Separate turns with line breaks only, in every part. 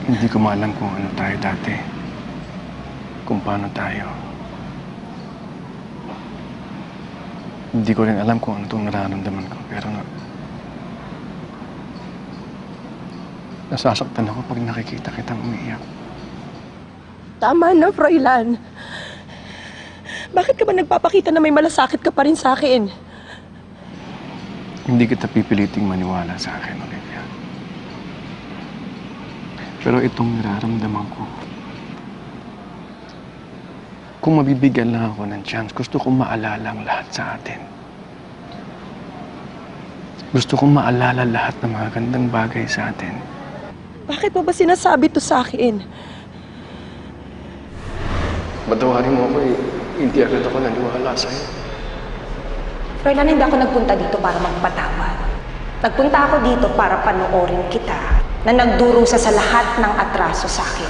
Hindi ko maalam kung ano tayo dati. Kung paano tayo. Hindi ko rin alam kung ano itong nararamdaman ko. Pero nasasaktan ako pag nakikita kitang umiiyak.
Tama na, Froilan. Bakit ka ba nagpapakita na may malasakit ka pa rin sa akin?
Hindi kita pipiliting maniwala sa akin, Olivia. Pero itong nararamdaman ko, kung mabibigyan lang ako ng chance, gusto kong maalala ang lahat sa atin. Gusto kong maalala lahat ng mga gandang bagay sa atin.
Bakit mo ba sinasabi to sa akin?
Patawarin mo ako eh. Hindi agad ako naniwala sa'yo.
Froilan, hindi ako nagpunta dito para magpatawad. Nagpunta ako dito para panoorin kita na nagdurusa sa lahat ng atraso sa akin.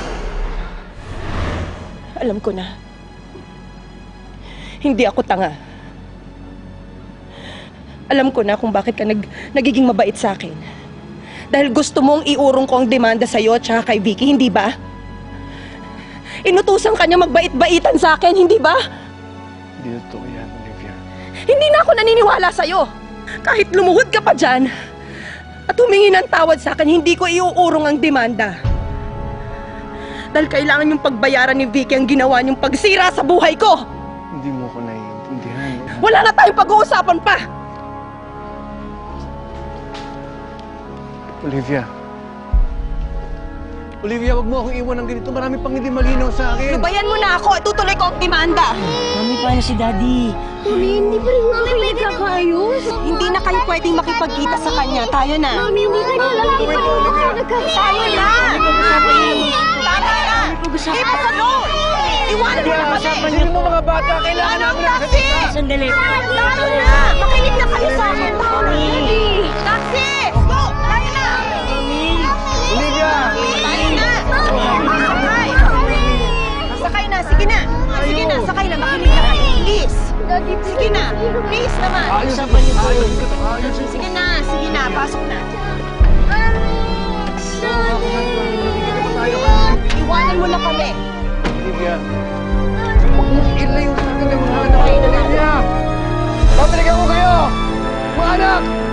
Alam ko na. Hindi ako tanga. Alam ko na kung bakit ka nagiging mabait sa akin. Dahil gusto mong iurong ko ang demanda sa'yo at saka kay Vicky, hindi ba? Inutusan ka niya magbait-baitan sa akin, hindi ba?
Hindi totoo yan, Olivia.
Hindi na ako naniniwala sa'yo. Kahit lumuhod ka pa dyan at humingi ng tawad sa akin, hindi ko iuurong ang demanda. Dahil kailangan yung pagbayaran ni Vicky ang ginawa niyong pagsira sa buhay ko.
Hindi mo ako naiintindihan.
Wala na tayong pag-uusapan pa.
Olivia. Olivia, wag mo akong iwan ng ganito. Marami pang hindi malinaw sa akin.
Lubayan mo na ako at tutuloy ko ang demanda.
Mami, paano si Daddy?
Mami, hindi pa rin nga kayo nagkakaayos.
Hindi na kayo pwedeng makipagkita sa kanya. Tayo na.
Mami, hindi ka na lang
Wait, Olivia.
Tayo na! Tama na! Keep us alone! Iwanan mo na kami!
Sino mo mga bata? Kailangan
Anong
namin ng
taxi?
Sandali.
Tayo na! Makinig na kayo sa akin!
Mami!
Taxi! Go! Tayo na!
Olivia!
Tayo na! Sakay! Sakay na! Sige na! Sige na! Sakay na! Makinig na kayo! Please! Sige na! Please naman! Sige na! Sige na! Pasok na! Iwanan mo na kami!
Olivia! Huwag mong ilayo sa akin ng mga anak ko, Olivia! Babalikan ko kayo! Mga anak!